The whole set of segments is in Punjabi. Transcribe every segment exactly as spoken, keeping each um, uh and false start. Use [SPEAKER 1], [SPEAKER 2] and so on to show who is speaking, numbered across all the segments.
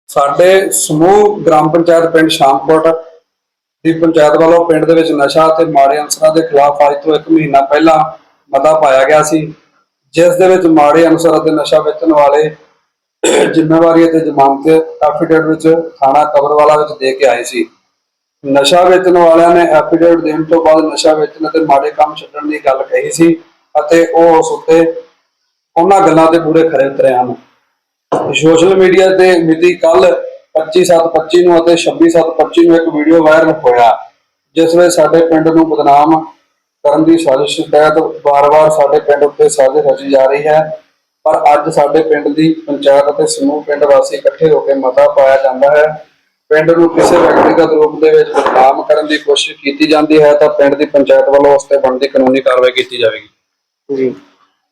[SPEAKER 1] ਸਾਡੇ ਸਮੂਹ ग्राम पंचायत पिंड शामकोट ਦੀ पंचायत वालों पिंड ਦੇ ਵਿੱਚ ਨਸ਼ਾ ਤੇ ਮਾੜੇ ਅਨਸਰਾਂ ਦੇ ਖਿਲਾਫ ਅੱਜ ਤੋਂ ਇੱਕ ਮਹੀਨਾ ਪਹਿਲਾਂ ਮਤਾ ਪਾਇਆ ਗਿਆ ਸੀ, ਜਿਸ ਦੇ ਵਿੱਚ ਮਾੜੇ ਅਨਸਰ ਅਤੇ ਨਸ਼ਾ ਵੇਚਣ ਵਾਲੇ ਜ਼ਿੰਮੇਵਾਰੀ ਅਤੇ ਜ਼ਮਾਨਤ ਐਫੀਡੇਵਿਟ ਵਿੱਚ ਥਾਣਾ ਕਬਰਵਾਲਾ ਵਿੱਚ ਦੇ ਕੇ ਆਏ ਸੀ। ਨਸ਼ਾ ਵੇਚਣ ਵਾਲਿਆਂ ਨੇ ਐਫੀਡੇਵਿਟ ਦੇਣ ਤੋਂ ਬਾਅਦ ਨਸ਼ਾ ਵੇਚਣ ਅਤੇ ਮਾੜੇ ਕੰਮ ਛੱਡਣ ਦੀ ਗੱਲ ਕਹੀ ਸੀ ਅਤੇ ਉਹ ਉਸ ਉੱਤੇ ਉਹਨਾਂ ਗੱਲਾਂ ਤੇ ਪੂਰੇ ਖਰੇ ਉਤਰੇ ਹਨ। सोशल मीडिया ते मिति कल पच्ची सत्त पच्ची नूं अते छब्बी सत्त पच्ची नूं एक वीडियो वायरल होया, जिस विच साडे पिंड नूं बदनाम करन दी साजिश तहत बार बार साडे पिंड उत्ते साजिश रची जा रही है। पर अज साडे पिंड दी पंचायत अते समूह पिंड वासी इकट्ठे होकर मता पाया जांदा है। पिंड नूं किसी व्यक्तिगत रूप दे विच बदनाम करन दी कोशिश कीती जांदी है तां पिंड दी पंचायत वालों उस ते बनदी कानूनी कार्रवाई कीती जावेगी। जी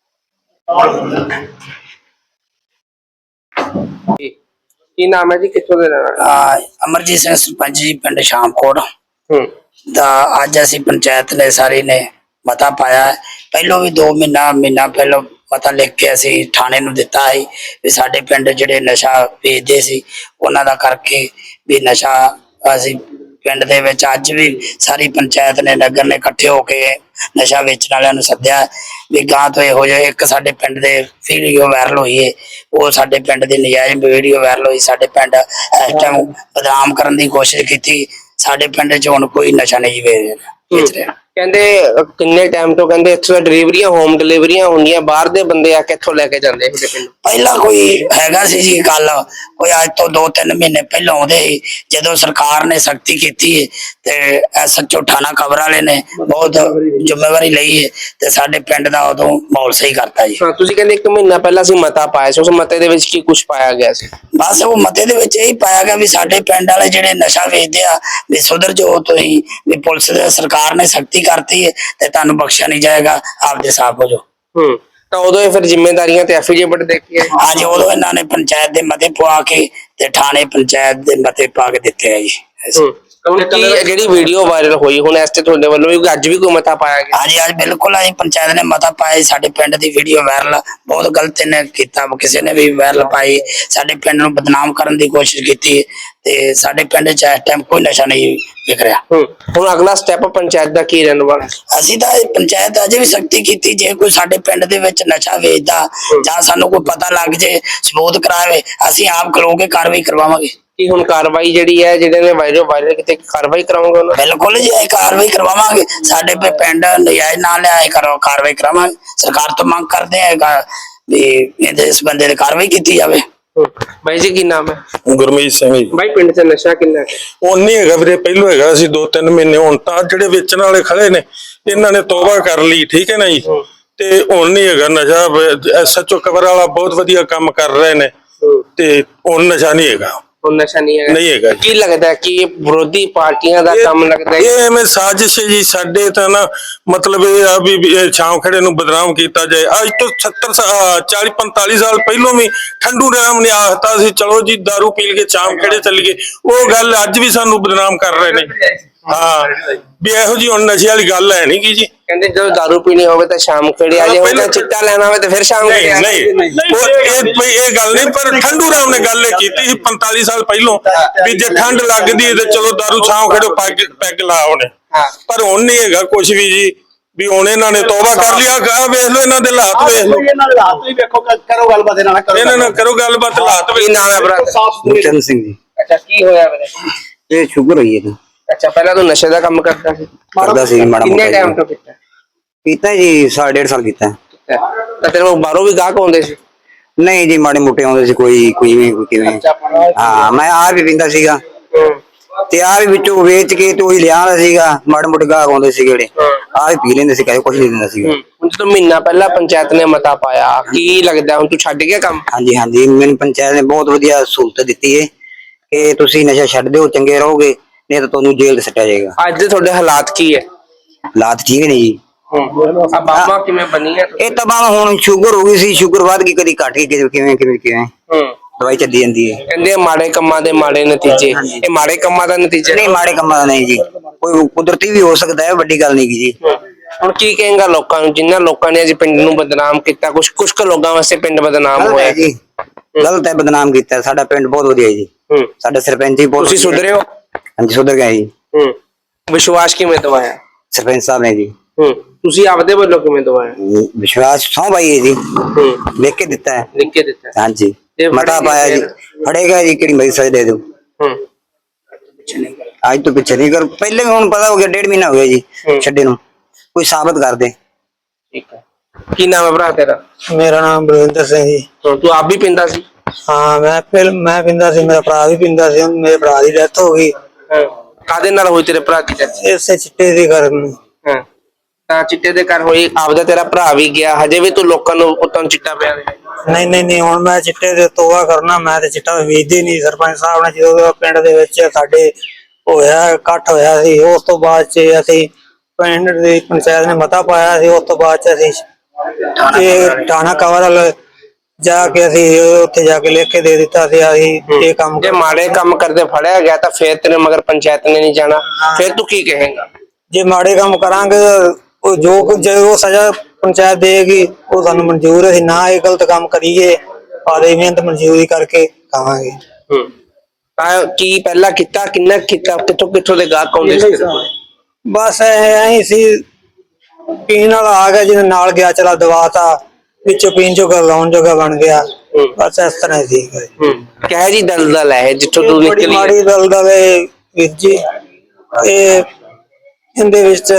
[SPEAKER 2] की नाम है जी, कित्थों दे रहने वाले?
[SPEAKER 3] अमरजीत सिंह सरपंच जी पिंड शामकोट
[SPEAKER 2] हम्म
[SPEAKER 3] दा अज असी पंचायत ने सारी ने मता पाया है। पहलों भी दो महीना महीना पहलों मता लिख के असी थाने नूं दिता है भी साडे पिंड जिहड़े नशा वेचदे सी उन्हां दा करके भी नशा असी पिंड दे विच अज भी सारी पंचायत ने नगर ने इकट्ठे होके नशा वेचण वालियां नूं सद्दिया भी गां तो इहो जिहा एक साडे पिंड दे वीडियो वायरल होई है, वो साडे पिंड दी नजायज़ वीडियो वायरल होई। साडे पिंड इस टाइम बदनाम करन दी कोशिश कीती। साडे पिंड च हुण कोई नशा नहीं वेच रहा।
[SPEAKER 2] कहंदे किन्ने टाइम तो कहंदे इत्थों डिलीवरियां होम डिलीवरियां होंदियां, बाहर दे बंदे आ के इत्थों लेके जांदे हुंदे पिंड।
[SPEAKER 3] पहला कोई हैगा सी जी गल, कोई अज तो दो तीन महीने पहलों आउंदे सी, जदों सरकार ने सख्ती कीती है ते एसएचओ थाना कबर वाले ने बहुत जिम्मेवारी लई है ते साडे पिंड दा उदों माहौल सही करता जी।
[SPEAKER 2] हां तुसीं कहंदे एक महीना पहला सी मता पाया सी, उस मते दे विच की कुछ पाया गया सी?
[SPEAKER 3] बस वो मते दे विच यही पाया गया भी साडे पिंड वाले जिहड़े नशा वेचदे आ भी सुधर जाओ, तुसीं भी पुलिस दे सरकार ने सख्ती करती है ते तुहानूं बख्शिया नहीं जाएगा, आपदे साफ हो जाओ।
[SPEAKER 2] हम्म तो उदों फिर जिम्मेदारियां ते एफिडेविट देखी है
[SPEAKER 3] अज उदों इन्हां ने पंचायत दे मते पवा के ते थाने पंचायत दे मते पा के दित्ते है जी।
[SPEAKER 2] ਹੁਣ ਕੀ ਜਿਹੜੀ ਵੀਡੀਓ ਵਾਇਰਲ ਹੋਈ ਹੁਣ ਇਸ ਤੇ ਤੁਹਾਡੇ ਵੱਲੋਂ ਵੀ ਅੱਜ ਵੀ ਕੋਈ ਮਤਾ ਪਾਇਆ ਗਿਆ?
[SPEAKER 3] ਹਾਂਜੀ ਅੱਜ ਬਿਲਕੁਲ ਅਸੀਂ ਪੰਚਾਇਤ ਨੇ ਮਤਾ ਪਾਇਆ। ਸਾਡੇ ਪਿੰਡ ਦੀ ਵੀਡੀਓ ਵਾਇਰਲ ਬਹੁਤ ਗਲਤ ਨੇ ਕੀਤਾ, ਕਿਸੇ ਨੇ ਵੀ ਵਾਇਰਲ ਪਾਈ, ਸਾਡੇ ਪਿੰਡ ਨੂੰ ਬਦਨਾਮ ਕਰਨ ਦੀ ਕੋਸ਼ਿਸ਼ ਕੀਤੀ ਤੇ ਸਾਡੇ ਪਿੰਡ 'ਚ ਇਸ ਟਾਈਮ ਕੋਈ ਨਸ਼ਾ ਨਹੀਂ ਵਿਕ ਰਿਹਾ।
[SPEAKER 2] ਹੁਣ ਅਗਲਾ ਸਟੈਪ ਪੰਚਾਇਤ ਦਾ ਕੀ ਰਹਿਣ ਵਾਲਾ?
[SPEAKER 3] ਅਸੀਂ ਤਾਂ ਪੰਚਾਇਤ ਅਜੇ ਵੀ ਸਖਤੀ ਕੀਤੀ, ਜੇ ਕੋਈ ਸਾਡੇ ਪਿੰਡ ਦੇ ਵਿੱਚ ਨਸ਼ਾ ਵੇਚਦਾ ਜਾਂ ਸਾਨੂੰ ਕੋਈ ਪਤਾ ਲੱਗ ਜੇ ਸਬੂਤ ਕਰਾਵੇ ਅਸੀਂ ਆਪ ਖਲੋ ਕੇ ਕਾਰਵਾਈ ਕਰਵਾਵਾਂਗੇ।
[SPEAKER 2] ਕੀ ਹੁਣ ਕਾਰਵਾਈ ਜਿਹੜੀ ਹੈ ਜਿਹੜੇ ਨੇ ਵਾਇਰਲ ਵਾਇਰਲ ਕਿਤੇ ਕਾਰਵਾਈ ਕਰਾਉਂਗੇ ਉਹਨਾਂ?
[SPEAKER 3] ਬਿਲਕੁਲ ਜੀ ਅਸੀਂ ਕਾਰਵਾਈ ਕਰਵਾਵਾਂਗੇ। ਸਾਡੇ पे ਪਿੰਡ ਨਜਾਇਜ਼ ਨਾ ਲਿਆ ਕਰੋ, ਕਾਰਵਾਈ ਕਰਾਵਾਂਗੇ। ਸਰਕਾਰ ਤੋਂ ਮੰਗ ਕਰਦੇ ਆ ਵੀ ਇਸ ਬੰਦੇ ਤੇ ਕਾਰਵਾਈ ਕੀਤੀ ਜਾਵੇ।
[SPEAKER 2] भाई जी की नाम है?
[SPEAKER 4] गुरमीत सिंह जी।
[SPEAKER 2] भाई पिंड च नशा किन्ना है?
[SPEAKER 4] उन्नी है वीरे, पहलों है सी दो तीन महीने, हुण तां जिहड़े वेचण वाले खड़े ने इन्हां ने तौबा कर ली, ठीक है ना जी। ते हुण नहीं हैगा नशा। एसएचओ कबर वाला बहुत वधिया काम कर रहे ने ते हुण नशा नहीं हैगा।
[SPEAKER 2] नशा नहीं है
[SPEAKER 4] नहीं है
[SPEAKER 2] की लगता है कि ये विरोधी पार्टियां दा काम लगता है?
[SPEAKER 4] ये एवें साजिश है जी साडे तां ना, मतलब ये आ भी छाव खड़े नूं बदनाम कीता जाए। अज तो सत्तर चाली पैंताली साल पहलों भी ठंडू राम ने आखता सी चलो जी दारू पी के छाव खड़े चल गए, वो गल अज भी सानू बदनाम कर रहे ने। हाँ भी इहो जी हुण नशे वाली गल है नहीं की जी।
[SPEAKER 2] कहंदे जो दारू पीनी होवे तां शाम खड़े आ जाए, हुण चिट्टा लेना होवे तां फिर शाम खड़े आ
[SPEAKER 4] नहीं नहीं वो ये ये गल नहीं, पर ठंडू राम ने गल कीती सी पैंताली साल पहलों भी जे ठंड लगदी है ते चलो दारू छाव खड़ो पैग पैग ला होने। पर हुण नहीं हैगा कुछ भी जी, भी हुण इन्हां ने तौबा कर लिया। वेख लो इन्हां दे हालात, वेख लो इन्हां दे हालात भी वेखो, करो गलबात इन्हां नाल, इन्हां नाल करो गलबात। हालात
[SPEAKER 2] की नाम है भरा?
[SPEAKER 5] गुरचरण सिंह जी।
[SPEAKER 2] अच्छा की होया वीरे?
[SPEAKER 5] ये शुगर होई है।
[SPEAKER 2] अच्छा पहला तो नशे का काम करता सी?
[SPEAKER 5] करदा सी माड़ा मोटा।
[SPEAKER 2] कितने टाइम तो कीता?
[SPEAKER 5] कीता जी साढ़े डेढ़ साल कीता।
[SPEAKER 2] तो तेरे कोल बाहरों भी गाहक आउंदे सी?
[SPEAKER 5] नहीं जी माड़े मोटे आउंदे सी, कोई कोई भी कोई किवें। हां मैं आ भी पींदा सीगा ते आ भी विचों वेच के ते ओही लिया सीगा। माड़े मोटे गाहक आउंदे सी जेड़े आ भी पी लेंदे सी, कहीं कुछ नहीं दिंदा सीगा।
[SPEAKER 2] ਹੁਣ ਜਦੋਂ ਮਹੀਨਾ ਪਹਿਲਾਂ ਪੰਚਾਇਤ ਨੇ ਮਤਾ ਪਾਇਆ, ਕੀ ਲੱਗਦਾ ਹੁਣ ਤੂੰ ਛੱਡ ਗਿਆ ਕੰਮ?
[SPEAKER 5] ਹਾਂਜੀ ਹਾਂਜੀ ਮੈਨੂੰ ਪੰਚਾਇਤ ਨੇ ਬਹੁਤ ਵਧੀਆ ਸਹੂਲਤ ਦਿੱਤੀ ਹੈ ਕਿ ਤੁਸੀਂ ਨਸ਼ਾ ਛੱਡ ਦਿਓ, ਚੰਗੇ ਰਹੋਗੇ, नहीं तो तुहानू जेल च सट्टिया जाएगा।
[SPEAKER 2] ਅੱਜ ਦੇ ਤੁਹਾਡੇ ਹਾਲਾਤ ਕੀ ਹੈ?
[SPEAKER 5] हालात ठीक है जी।
[SPEAKER 2] ਆ ਬਾਬਾ ਕਿਵੇਂ ਬਣੀ ਹੈ?
[SPEAKER 5] ਇਹ ਤਾਂ ਬਾਬਾ ਹੁਣ ਸ਼ੂਗਰ ਹੋ ਗਈ ਸੀ, ਸ਼ੂਗਰ ਵੱਧ ਗਈ, ਕਦੀ ਘਟ ਗਈ, ਕਿਵੇਂ ਕਿਵੇਂ ਕਿਵੇਂ ਕਿਵੇਂ ਦਵਾਈ ਚੱਲੀ ਜਾਂਦੀ ਹੈ।
[SPEAKER 2] ਕਹਿੰਦੇ ਮਾੜੇ ਕੰਮਾਂ ਦੇ ਮਾੜੇ ਨਤੀਜੇ, ਇਹ ਮਾੜੇ ਕੰਮਾਂ ਦਾ ਨਤੀਜਾ
[SPEAKER 5] ਨਹੀਂ, ਮਾੜੇ ਕੰਮਾਂ ਦਾ ਨਹੀਂ ਜੀ, ਕੋਈ ਕੁਦਰਤੀ ਵੀ ਹੋ ਸਕਦਾ ਹੈ, ਵੱਡੀ ਗੱਲ ਨਹੀਂ ਜੀ।
[SPEAKER 2] ਹੁਣ ਕੀ ਕਹੇਗਾ ਲੋਕਾਂ ਨੂੰ ਜਿਨ੍ਹਾਂ ਲੋਕਾਂ ਨੇ ਅੱਜ ਪਿੰਡ ਨੂੰ ਬਦਨਾਮ ਕੀਤਾ? ਕੁਝ ਕੁਝ ਕੁ ਲੋਕਾਂ ਵਾਸਤੇ ਪਿੰਡ ਬਦਨਾਮ ਹੋਇਆ
[SPEAKER 5] ਜੀ, ਗਲਤ ਹੈ, ਬਦਨਾਮ ਕੀਤਾ। ਸਾਡਾ ਪਿੰਡ ਬਹੁਤ ਵਧੀਆ ਜੀ।
[SPEAKER 2] ਹੂੰ
[SPEAKER 5] ਸਾਡੇ ਸਰਪੰਚ ਜੀ ਬਹੁਤ
[SPEAKER 2] ਤੁਸੀਂ ਸੁਧਰੇ ਹੋ?
[SPEAKER 5] ਹਾਂਜੀ ਸੁਧਰ ਗਏ ਜੀ।
[SPEAKER 2] ਹੂੰ ਵਿਸ਼ਵਾਸ ਕਿਵੇਂ ਦਵਾਇਆ?
[SPEAKER 5] ਸਰਪੰਚ ਸਾਹਿਬ ਨੇ ਜੀ
[SPEAKER 2] ਹੂੰ ਤੁਸੀਂ ਆਪਦੇ ਵੱਲੋਂ ਕਿਵੇਂ ਦਵਾਇਆ?
[SPEAKER 5] ਵਿਸ਼ਵਾਸ ਸੌ ਪਾਈ ਹੈ ਜੀ,
[SPEAKER 2] ਹੂੰ
[SPEAKER 5] ਲਿਖ ਕੇ ਦਿੱਤਾ ਹੈ।
[SPEAKER 2] ਲਿਖ ਕੇ ਦਿੱਤਾ?
[SPEAKER 5] ਹਾਂਜੀ
[SPEAKER 2] ਜੇ
[SPEAKER 5] ਮਤਾ
[SPEAKER 2] ਫੜੇਗੇ
[SPEAKER 5] ਪਾਇਆ ਜੀ,
[SPEAKER 2] ਫਿਰ?
[SPEAKER 5] ਫੜੇਗਾ ਜੀ ਕਿਹੜੀ ਮਰੀ ਸਜ਼ਾ ਦੇ ਦੋ।
[SPEAKER 2] ਹੂੰ
[SPEAKER 5] ਅੱਜ ਤੋਂ ਪਿੱਛੇ ਨਹੀਂ ਕਰ, ਪਹਿਲੇ ਵੀ ਹੁਣ ਪਤਾ ਹੋ ਗਿਆ, ਡੇਢ ਮਹੀਨਾ ਹੋ ਗਿਆ ਜੀ
[SPEAKER 2] ਹੂੰ।
[SPEAKER 5] ਛੱਡੇ ਨੂੰ, ਕੋਈ ਸਾਬਤ ਕਰ ਦੇ।
[SPEAKER 2] ਠੀਕ ਹੈ। ਕੀ ਨਾਮ ਹੈ ਭਰਾ ਤੇਰਾ?
[SPEAKER 6] ਮੇਰਾ ਨਾਮ ਬਲਵਿੰਦਰ ਸਿੰਘ ਜੀ।
[SPEAKER 2] ਹਾਂ, ਤੂੰ ਆਪ ਵੀ ਪਿੰਦਾ ਸੀ?
[SPEAKER 6] ਹਾਂ ਮੈਂ ਫਿਰ ਮੈਂ ਪਿੰਦਾ ਸੀ, ਮੇਰਾ ਭਰਾ ਵੀ ਪਿੰਦਾ ਸੀ, ਮੇਰੇ ਭਰਾ ਦੀ ਡੈਥ ਹੋ ਗਈ
[SPEAKER 2] ਹਾਂ ਕਾਦੇ ਨਾਲ ਹੋਈ ਤੇਰੇ ਭਰਾ ਦੀ death?
[SPEAKER 6] ਇਸੇ ਚਿੱਟੇ ਦੇ ਕਾਰਨ।
[SPEAKER 2] ਹਾਂ ਤਾਂ ਚਿੱਟੇ ਦੇ ਘਰ ਹੋਈ, ਆਪਦਾ ਤੇਰਾ ਭਰਾ ਵੀ ਗਿਆ, ਹਜੇ ਵੀ ਤੂੰ ਲੋਕਾਂ ਨੂੰ ਪੁੱਤਾਂ ਨੂੰ ਚਿੱਟਾ ਪਿਆ ਦੇ?
[SPEAKER 6] ਨਹੀਂ ਨਹੀਂ ਨਹੀਂ ਹੁਣ ਮੈਂ ਚਿੱਟੇ ਦੇ ਤੋਬਾ ਕਰਨਾ, ਮੈਂ ਤੇ ਚਿੱਟਾ ਵੇਚਦੇ ਨਹੀਂ। ਸਰਪੰਚ ਸਾਹਿਬ ਨੇ ਜਦੋਂ ਪਿੰਡ ਦੇ ਵਿੱਚ ਸਾਡੇ ਹੋਇਆ ਇਕੱਠ ਹੋਇਆ ਸੀ, ਉਸ ਤੋਂ ਬਾਅਦ ਚ ਅਸੀਂ ਪਿੰਡ ਦੀ ਪੰਚਾਇਤ ਨੇ ਮਤਾ ਪਾਇਆ ਸੀ, ਉਸ ਤੋਂ ਬਾਅਦ ਚ ਅਸੀਂ ਇਹ ਥਾਣਾ ਕਵਰਲ ਜਾ ਕੇ ਅਸੀਂ ਉੱਥੇ ਜਾ ਕੇ ਲਿਖ ਕੇ ਦੇ ਦਿੱਤਾ ਸੀ ਅਸੀਂ ਇਹ ਕੰਮ।
[SPEAKER 2] ਜੇ ਮਾੜੇ ਕੰਮ ਕਰਦੇ ਫੜਿਆ ਗਿਆ ਤਾਂ ਫੇਰ ਤੇਰੇ ਮਗਰ ਪੰਚਾਇਤ ਨੇ ਨਹੀਂ ਜਾਣਾ, ਫਿਰ ਤੂੰ ਕੀ ਕਹੇਂਗਾ?
[SPEAKER 6] ਜੇ ਮਾੜੇ ਕੰਮ ਕਰਾਂਗੇ ਉਹ ਜੋ ਕੁਝ ਜੋ ਸਜ਼ਾ ਪੰਚਾਇਤ ਦੇਗੀ ਉਹ ਸਾਨੂੰ ਮਨਜ਼ੂਰ ਹੈ, ਨਾ ਇਹ ਗਲਤ ਕੰਮ ਕਰੀਏ, ਆਦੇ ਮਿਹਨਤ ਮਨਜ਼ੂਰੀ ਕਰਕੇ ਖਾਵਾਂਗੇ।
[SPEAKER 2] ਹੂੰ ਤਾਂ ਕੀ ਪਹਿਲਾਂ ਕੀਤਾ, ਕਿੰਨਾ ਕੀਤਾ, ਕਿੱਥੋਂ ਕਿੱਥੋਂ ਦੇ ਗਾਹਕ ਆਉਂਦੇ ਸੀ?
[SPEAKER 6] ਬਸ ਐ ਸੀ, ਪੀਣ ਵਾਲਾ ਆ ਗਿਆ ਜਿਹਨੇ ਨਾਲ ਗਿਆ ਚਲਾ ਦਵਾਤਾ, ਵਿੱਚੋਂ ਪੀਣ ਜੋਗਾ ਲਾਉਣ ਜੋਗਾ ਬਣ ਗਿਆ, ਬਸ ਇਸ ਤਰ੍ਹਾਂ ਸੀ।
[SPEAKER 2] ਹੂੰ ਕਹਿ ਜੀ ਦਲਦਲ ਹੈ ਜਿੱਥੋਂ ਤੂੰ
[SPEAKER 6] ਬੜੀ
[SPEAKER 2] ਨਿਕਲੀ?
[SPEAKER 6] ਮਾੜੀ ਦਲਦਲ ਹੈ ਵੀਰ ਜੀ। ਇਹ ਇਹਦੇ ਵਿੱਚ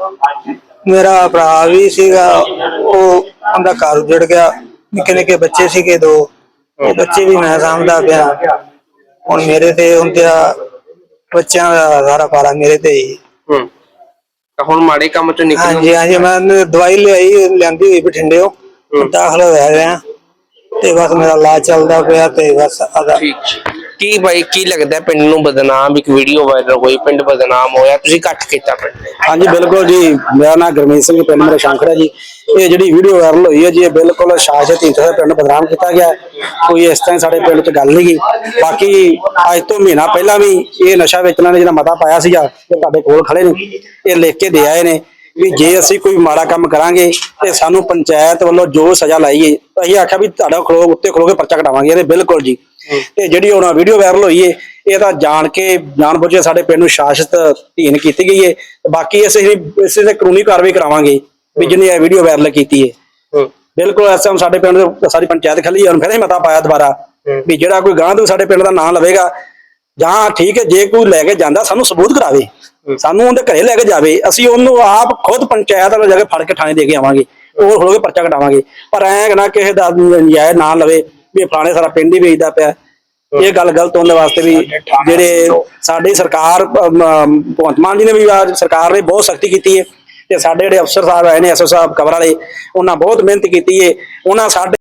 [SPEAKER 6] ਮੇਰਾ ਭਰਾ ਵੀ ਸੀਗਾ, ਉਹ ਉਹਦਾ ਘਰ ਉਜੜ ਗਿਆ, ਨਿੱਕੇ ਨਿੱਕੇ ਬੱਚੇ ਸੀਗੇ ਦੋ, ਉਹ ਬੱਚੇ ਵੀ ਮੈਂ ਸਾਂਭਦਾ ਪਿਆ। ਹੁਣ ਮੇਰੇ ਤੇ ਹੁੰਦੇ ਬੱਚਿਆਂ ਦਾ ਸਾਰਾ ਭਾਰਾ ਮੇਰੇ ਤੇ ਹੀ।
[SPEAKER 2] ਹੂੰ ਤਾਂ ਹੁਣ ਮਾੜੇ ਕੰਮ ਚੋਂ ਨਿਕਲ?
[SPEAKER 6] ਹਾਂਜੀ ਹਾਂਜੀ ਮੈਂ ਦਵਾਈ ਲਿਆਈ, ਲਿਆਂਦੀ ਹੋਈ ਬਠਿੰਡਿਓ, ਦਾਖਲ ਹੋਇਆ ਰਿਹਾ ਤੇ ਬਸ ਮੇਰਾ ਇਲਾਜ ਚੱਲਦਾ ਪਿਆ ਤੇ ਬਸ ਆਦਾ।
[SPEAKER 2] ਕੀ ਬਾਈ ਕੀ ਲੱਗਦਾ ਪਿੰਡ ਨੂੰ ਬਦਨਾਮ, ਇੱਕ ਵੀਡੀਓ ਵਾਇਰਲ ਹੋਈ, ਪਿੰਡ ਬਦਨਾਮ ਹੋਇਆ, ਤੁਸੀਂ ਇਕੱਠ ਕੀਤਾ ਪਿੰਡ?
[SPEAKER 1] ਹਾਂਜੀ ਬਿਲਕੁਲ ਜੀ, ਮੇਰਾ ਨਾਮ ਗੁਰਮੀਤ ਸਿੰਘ, ਪਿੰਡ ਮੇਰਾ ਸ਼ੰਕਰ ਹੈ ਜੀ। ਇਹ ਜਿਹੜੀ ਵੀਡੀਓ ਵਾਇਰਲ ਹੋਈ ਹੈ ਜੀ, ਇਹ ਬਿਲਕੁਲ ਸ਼ਾਸਤ ਢੀਂਡਸਾ ਦੇ ਪਿੰਡ ਬਦਨਾਮ ਕੀਤਾ ਗਿਆ, ਕੋਈ ਇਸ ਤਰ੍ਹਾਂ ਸਾਡੇ ਪਿੰਡ 'ਚ ਗੱਲ ਨਹੀਂ ਗੀ। ਬਾਕੀ ਅੱਜ ਤੋਂ ਮਹੀਨਾ ਪਹਿਲਾਂ ਵੀ ਇਹ ਨਸ਼ਾ ਵੇਚਣ ਨੇ ਜਿਹੜਾ ਮਤਾ ਪਾਇਆ ਸੀਗਾ, ਇਹ ਤੁਹਾਡੇ ਕੋਲ ਖੜੇ ਨੇ, ਇਹ ਲਿਖ ਕੇ ਦੇ ਆਏ ਨੇ ਵੀ ਜੇ ਅਸੀਂ ਕੋਈ ਮਾੜਾ ਕੰਮ ਕਰਾਂਗੇ ਤੇ ਸਾਨੂੰ ਪੰਚਾਇਤ ਵੱਲੋਂ ਜੋ ਸਜ਼ਾ ਲਾਈਏ, ਅਸੀਂ ਆਖਿਆ ਵੀ ਤੁਹਾਡਾ ਖਲੋ ਉੱਤੇ ਖਲੋ ਕੇ ਪਰਚਾ ਕਟਾਵਾਂਗੇ ਇਹਦੇ। ਬਿਲਕੁਲ ਜੀ। ਤੇ ਜਿਹੜੀ ਹੁਣ ਵੀਡੀਓ ਵਾਇਰਲ ਹੋਈ ਏ, ਇਹ ਤਾਂ ਜਾਣ ਕੇ ਜਾਣ ਬੁੱਝ ਕੇ ਸਾਡੇ ਪਿੰਡ ਨੂੰ ਸ਼ਾਸਤ ਅਧੀਨ ਕੀਤੀ ਗਈ ਏ। ਬਾਕੀ ਅਸੀਂ ਇਸੇ ਤੇ ਕਾਨੂੰਨੀ ਕਾਰਵਾਈ ਕਰਾਵਾਂਗੇ ਵੀ ਜਿਹਨੇ ਇਹ ਵੀਡੀਓ ਵਾਇਰਲ ਕੀਤੀ ਏ। ਬਿਲਕੁਲ ਇਸ ਟਾਈਮ ਸਾਡੇ ਪਿੰਡ ਦੇ ਸਾਰੀ ਪੰਚਾਇਤ ਖੱਲੀ ਹੈ, ਹੁਣ ਫਿਰ ਮਤਾ ਪਾਇਆ ਦੁਬਾਰਾ ਵੀ ਜਿਹੜਾ ਕੋਈ ਗਾਂ ਤੋਂ ਸਾਡੇ ਪਿੰਡ ਦਾ ਨਾਂ ਲਵੇਗਾ, ਜਾਂ ਠੀਕ ਹੈ ਜੇ ਕੋਈ ਲੈ ਕੇ ਜਾਂਦਾ ਸਾਨੂੰ ਸਬੂਤ ਕਰਾਵੇ, ਸਾਨੂੰ ਉਹਦੇ ਘਰੇ ਲੈ ਕੇ ਜਾਵੇ, ਅਸੀਂ ਉਹਨੂੰ ਆਪ ਖੁਦ ਪੰਚਾਇਤ ਵਾਲੇ ਜਾ ਕੇ ਫੜ ਕੇ ਥਾਣੇ ਦੇ ਕੇ ਆਵਾਂਗੇ, ਉਹ ਖਲੋ ਕੇ ਪਰਚਾ ਕਟਾਵਾਂਗੇ। ਪਰ ਐਂ ਨਾ ਕਿਸੇ ਦਾ ਨਜਾਇਜ਼ ਨਾਂ ਲਵੇ ਵੀ ਫਲਾਣੇ ਸਾਰਾ ਪਿੰਡ ਹੀ ਵੇਚਦਾ ਪਿਆ, ਇਹ ਗੱਲ ਗਲਤ ਹੋਣ ਦੇ ਵਾਸਤੇ ਵੀ ਜਿਹੜੇ ਸਾਡੀ ਸਰਕਾਰ ਭਗਵੰਤ ਮਾਨ ਜੀ ਨੇ ਵੀ ਸਰਕਾਰ ਨੇ ਬਹੁਤ ਸਖਤੀ ਕੀਤੀ ਹੈ, ਤੇ ਸਾਡੇ ਜਿਹੜੇ ਅਫਸਰ ਸਾਹਿਬ ਆਏ ਨੇ, ਐਸ ਓ ਸਾਹਿਬ ਕਵਰ ਵਾਲੇ, ਉਹਨਾਂ ਬਹੁਤ ਮਿਹਨਤ ਕੀਤੀ ਹੈ। ਉਹਨਾਂ ਸਾਡੇ